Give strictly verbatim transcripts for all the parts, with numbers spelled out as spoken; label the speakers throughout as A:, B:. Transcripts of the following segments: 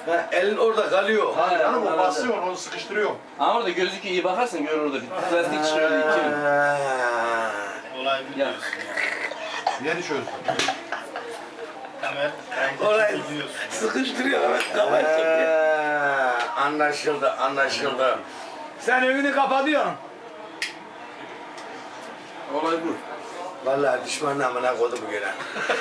A: Ha, elin orada kalıyor.
B: Hayır, yani o basıyor, onu sıkıştırıyor.
C: Ama orada gözüküyor, iyi bakarsın gör orada bir plastik çıkıyor iki.
D: Olay biliyorsun.
B: Yeni çözdüm.
D: Hemen
A: Orayı
D: biliyorsun.
A: sıkıştırıyor evet kafayı. Anlaşıldı, anlaşıldı. Sen önünü kapatıyorsun.
C: Olay bu.
A: Vallahi düşmanın amına koydu bu gene.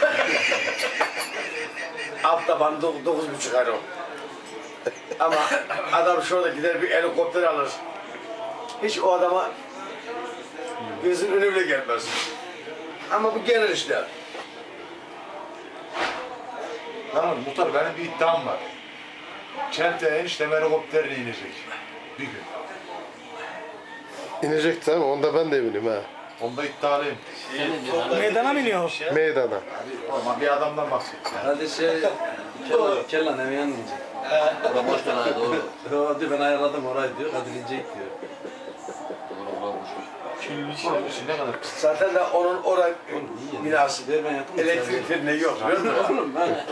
A: Alt taban dokuz, dokuz buçuk ay o. Ama adam şurada gider bir helikopter alır. Hiç o adama gözün önü bile gelmez. Ama bu gelir işte.
B: Tamam muhtar, benim bir iddiam var. Çente eniştem helikopterle inecek. Bir gün.
E: İnecek tamam, onda ben de eminim ha.
B: Onda iddialıyım.
F: Meydana mı iniyor?
E: Meydana.
B: Ama bir adamdan bahsedeceğim.
C: Hadi şey, Kellan, Kellan eve yan inecek. Orada boş ver hadi doğru. O diyor ben ayarladım orayı diyor, hadi inecek diyor. Doğru, boş ver.
B: Oğlum ne kadar pis.
A: Zaten de onun orada binası
C: Ver ben yapayım.
A: elektrik teline yok. Biliyor musun?
C: Oğlum ben.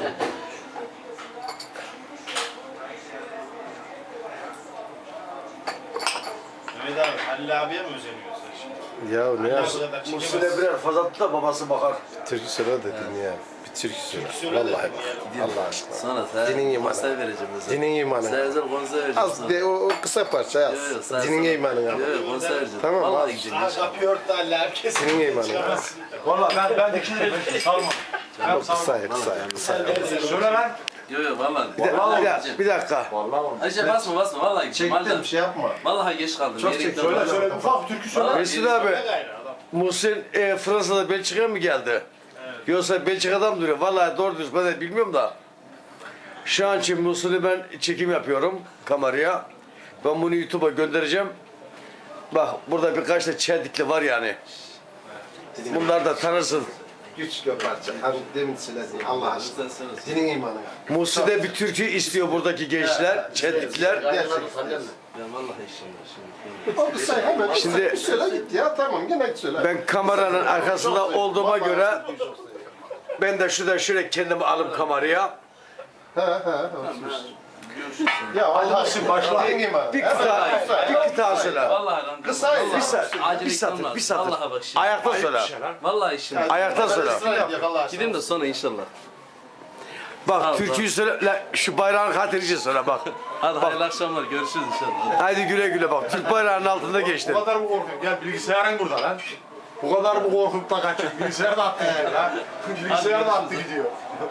D: Mehmet abi, Halil abiye mi özeniyorsun şimdi?
E: Ya ne
D: Halil
E: yap?
D: abi bu kadar çekemez.
A: Muhsin'e birer fazlattı da babası bakar.
E: Türkü söyle dedin ya. Bir türkü söyle.
D: söyle de
E: Vallahi
D: diyelim.
E: Allah aşkına.
C: Sana sen
E: Dinin imanı.
C: konser vereceğim mesela.
E: Dinin imanı.
C: Sen özel konser vereceğim
E: Az
C: sana.
E: de, o, o kısa parça
C: Yok, yok,
E: az.
C: sen-
E: Dinin
C: sen-
E: imanı
C: Yok
E: ama.
C: yok konser vereceğim.
E: Tamam,
C: Vallahi
E: al.
C: gideceğim.
D: Aha kapıyı örttü Halil abi kesin.
E: Senin imanın
D: Çıkamazsın.
B: Valla ben, ben dikilirim. Salma.
E: O kısa ya, kısa ya, kısa ya.
B: Söyle lan.
C: Yok yok vallahi.
A: Bir, de,
C: Vallahi
A: bir, dakika,
C: gideceğim.
A: bir dakika.
B: Vallahi olmaz.
C: Ayşe basma basma vallahi gideceğim.
B: Çektim,
C: Vallahi,
B: şey yapma.
C: vallahi geç kaldım.
A: Çok
C: Yere
A: çek-
C: gittim.
B: Söyle söyle, ufak bir türkü söyle.
C: Vallahi
A: Mesut
C: geri-
A: abi,
D: Ne gayrı adam.
A: Muhsin e, Fransa'da Belçika'ya mı geldi? Yoksa Belçika'da mı duruyor? Vallahi doğru düz ben de bilmiyorum da. Şu an için Muhsin'i ben çekim yapıyorum kameraya. Ben bunu YouTube'a göndereceğim. Bak burada birkaç da çeldikli var yani. Bunlar da tanırsın.
E: Güçlü parça. Hafif demin söylediğin Allah aşkına. Dinin imanı.
A: Muhsin de bir türkü istiyor buradaki gençler, çeldikler.
E: Gerçekten.
C: Ben vallahi şimdi şimdi.
E: O kısa hemen
A: Şimdi-
E: Şimdi, söyle git ya, tamam gene söyle.
A: Ben kameranın arkasında olduğuma göre ben de şurada şöyle kendimi alıp kameraya
E: He he he. Ya Allah aşkına başla. Dinin imanı.
A: bir kıta, bir kıta söyle.
C: Vallahi lan.
E: Kısa
C: vallahi.
A: Bir saat,
C: Acele
A: bir
C: gitmem
A: satır,
C: lazım.
A: bir satır.
C: Vallahi bak şimdi.
A: Ayakta söyle.
C: Vallahi şimdi.
A: Ayakta söyle.
C: Gideyim de sonra inşallah.
A: Bak
C: Tamam,
A: türküyü söyle, la, şu bayrağın hatırıcı söyle bak.
C: Hadi hayırlı akşamlar görüşürüz inşallah.
A: Haydi güle güle bak. Türk bayrağının altında geçtin.
B: Bu kadar mı korkuyorsun? Gel bilgisayarın burada lan. Bu kadar mı korkup da kaçıyor? Bilgisayar da attı gidiyor lan. Bilgisayar da attı gidiyor.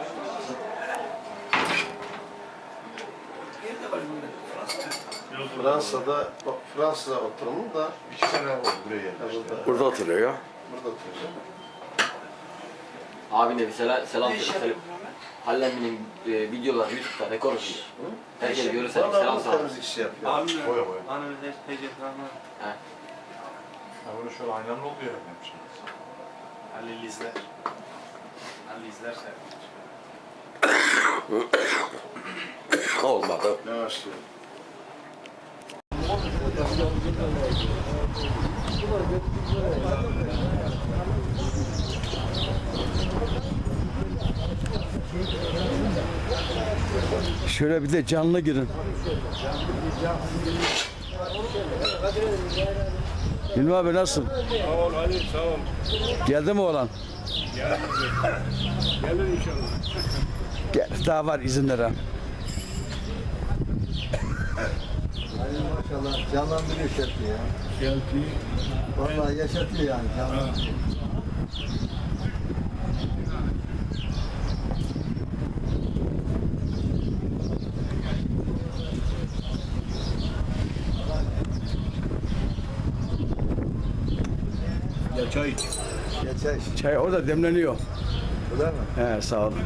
E: Fransa'da, bak Fransa'da oturumu da
B: İki sene oldu buraya geldi.
E: burada,
A: Burada oturuyor ya.
E: burada oturuyor.
G: Abine bir selam, selam söyle. Halil emminin e, videoları YouTube'da rekor ediyor. Herkes görürse bir
E: Vallahi
G: selam
E: bu
G: söyle.
E: temizlik işi yapıyor.
B: Boya boya.
F: Annemizde tecrübe var.
B: Ha bunu şöyle aynalı oluyor yapmış.
D: Halil izler. Halil izlerse.
A: Olmadı.
E: Yavaş diyor.
A: Şöyle bir de canlı girin. Hilmi abi nasılsın?
H: Sağ ol Ali, sağ ol.
A: Geldi mi oğlan?
H: Gelir inşallah.
A: Gel, daha var izinlere.
I: Maşallah canlandırıyor şarkı ya.
H: Geldi.
I: Vallahi yaşatıyor yani canlandırıyor.
H: Ya çay iç.
I: Geçer.
A: Çay orada demleniyor.
I: Bu da mı?
A: He sağ ol.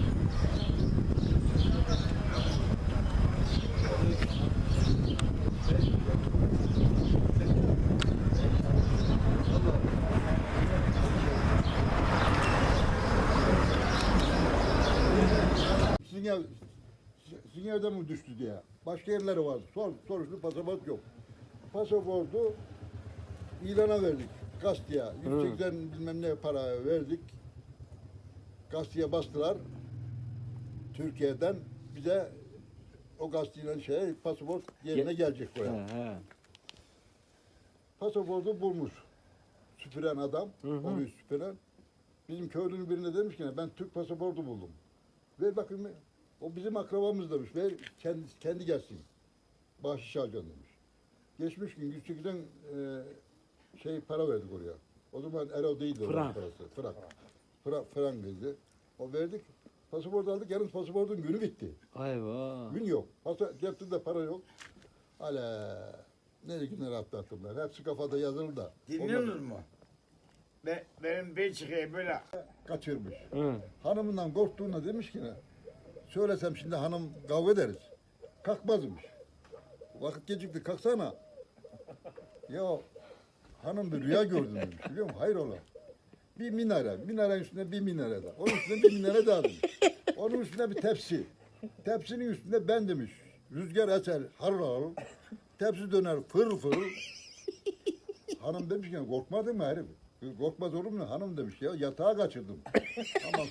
I: Sizin, ev, sizin evden mi düştü diye. Başka yerleri vardı. Sor, soruştu pasaport yok. Pasaportu ilana verdik. Gazeteye. yüz seksen bilmem ne para verdik. Gazeteye bastılar. Türkiye'den bize o gazeteyle şey pasaport yerine gelecek buraya.
E: He.
I: Pasaportu bulmuş. Süpüren adam, orayı süpüren. Bizim köylünün birine demiş ki ben Türk pasaportu buldum. Ver bakayım. O bizim akrabamız demiş. Ver kendi, kendi gelsin. Bahşiş alacağım demiş. Geçmiş gün yüz sekizden e, şey para verdik oraya. O zaman euro değildi oranın
E: Frank.
I: parası. Frank. Frank, frank dedi. O verdik. Pasaport aldık. Yarın pasaportun günü bitti.
E: Ayva.
I: Gün yok. Pasa, cepte para yok. Hala ne günler atlattım ben. Hepsi kafada yazılı da.
J: Dinliyorsunuz mu? Be, benim Belçika'ya böyle
I: Kaçırmış.
E: Hı.
I: Hanımından korktuğuna demiş ki ne? Söylesem şimdi hanım kavga ederiz. Kalkmazmış. Vakit gecikti kalksana. Ya hanım bir rüya gördüm demiş biliyor musun? Hayrola. Bir minare, minarenin üstünde bir minare daha. Onun üstünde bir minare daha demiş. Onun üstünde bir tepsi. Tepsinin üstünde ben demiş. Rüzgar eser harıl harıl. Tepsi döner fırıl fırıl. Hanım demiş ki korkmadın mı herif? Korkmaz olur mu? Hanım demiş ya yatağa kaçırdım. Ama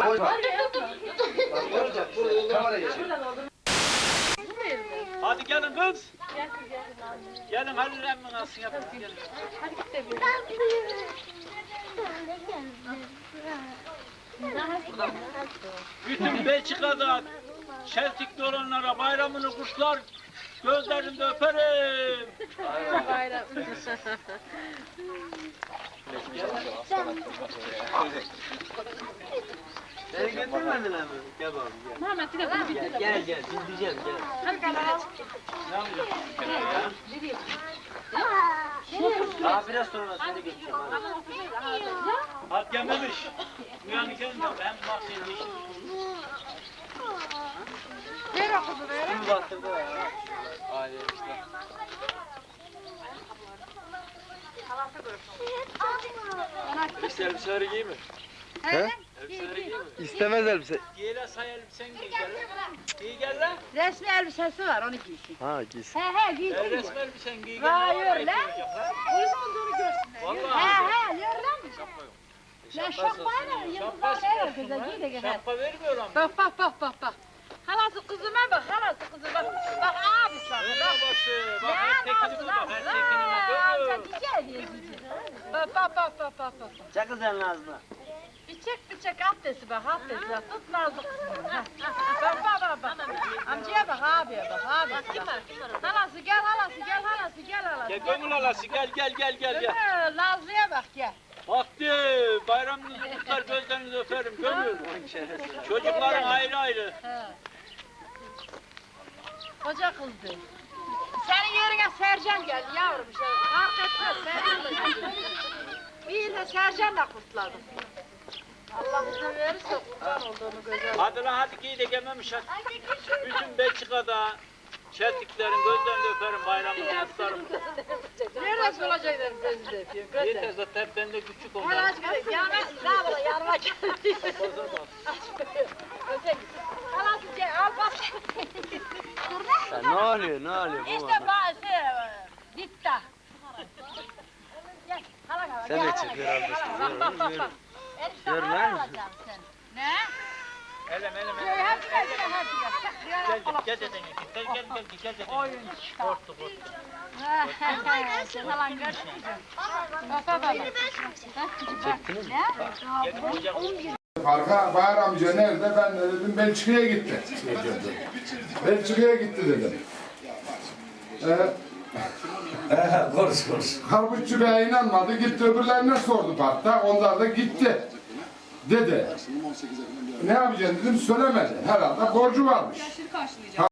F: Hadi gelin kız. Gelin Halil emmi nasıl yapın gelin. Bütün Belçika'da Çeltik'te olanlara bayramını kutlar. Gözlerinde öperim.
K: Bayram.
C: Seni getirmediler mi? Gel bakalım gel.
K: Muhammed bir de bunu bitir.
C: Gel gel dinleyeceğim gel.
K: Hadi kalk.
C: Daha biraz sonra seni geçeceğim. hadi.
F: Hadi gelmemiş. Uyanık gelin de ben bak senin işin.
K: Ver o kızı ver.
C: Kim baktırdı ya? Aile işte. İşte elbiseleri giy mi?
E: He?
C: Elbiseleri giy mi?
E: İstemez elbise.
F: Giyle say elbisen giy gel. Giy gel lan.
K: Resmi elbisesi var onu giysin.
E: Ha giysin.
K: He he giysin.
F: El resmi elbisen giy gel.
K: Hayır lan. Uygun olduğunu görsünler.
F: Vallahi.
K: He he yürü lan. Lan şapkayla yıldızlar verir kıza giy de gel.
F: Şapka vermiyor ama.
K: Bak bak bak bak bak. Halası kızıma bak halası kızı bak. Bak abi sana
F: Öyle
K: bak.
F: başı. Bak
K: Ne
F: her tekini bul bak. Her tekini bul.
K: Amca diyeceği diye diyeceği. Bak bak bak bak bak bak.
C: Çak kızların ağzına.
K: Bir çek bir çek abdesti bak abdesti bak tut nazlı kızını. Ha, ha. Bak bak bak bak. Amcaya bak abiye bak abiye bak. Halası gel halası gel halası gel halası.
F: Gel gönül alası gel gel gel gel gel.
K: Gönül Nazlı'ya bak gel.
F: Vakti bayramınızı kutlar gözlerinizi öperim gönül. Çocukların ayrı ayrı.
K: He. Koca kızdı. Senin yerine Sercan geldi yavrum. Şey, fark etmez Sercan'la geldi. İyi de Sercan'la kutladım. Allah izin verirse kurban olduğunu göze
F: Hadi lan hadi giy de gelmemiş hadi. Bütün Belçika'da Çeltiklerin gözlerini öperim bayramını kutlarım.
K: Neresi olacaklar sözü de yapıyor. Gönder.
F: Yeter zaten hep bende küçük
K: Her
F: onlar.
K: aç gidelim. Yanına sağ ol yanıma gel. Öte git. Halası gel al bak. Dur lan.
E: Ya ne oluyor ne oluyor bu
K: İşte
E: baba?
K: bazı ditta. Gel hala hala.
E: Sen
K: gel,
E: de
K: hala,
E: çık,
K: gel,
E: biraz da
K: hala,
E: çık,
K: Bak
E: yürü,
K: bak bak.
E: yürü.
K: bak. Enişte
E: Yürü
K: hala
E: lan.
K: alacağım sen. Ne?
F: Elem elem
K: Gel
F: elem.
K: hadi gel gel hadi gel.
F: Gel gel gel dedin gel gel gel gel gel.
K: Oyun.
F: Korktu korktu.
K: Sen hala görüşürüz. Bak bak bak. Çektiniz mi? Ne?
B: Farka Bahar amca nerede? Ben de dedim Belçika'ya gitti. Belçika'ya gitti dedim. Ee,
A: Konuş konuş.
B: Karpuzcu Bey'e inanmadı. Gitti öbürlerine sordu parkta. Onlar da gitti. Dedi. Ne yapacaksın dedim söylemedi. Herhalde borcu varmış.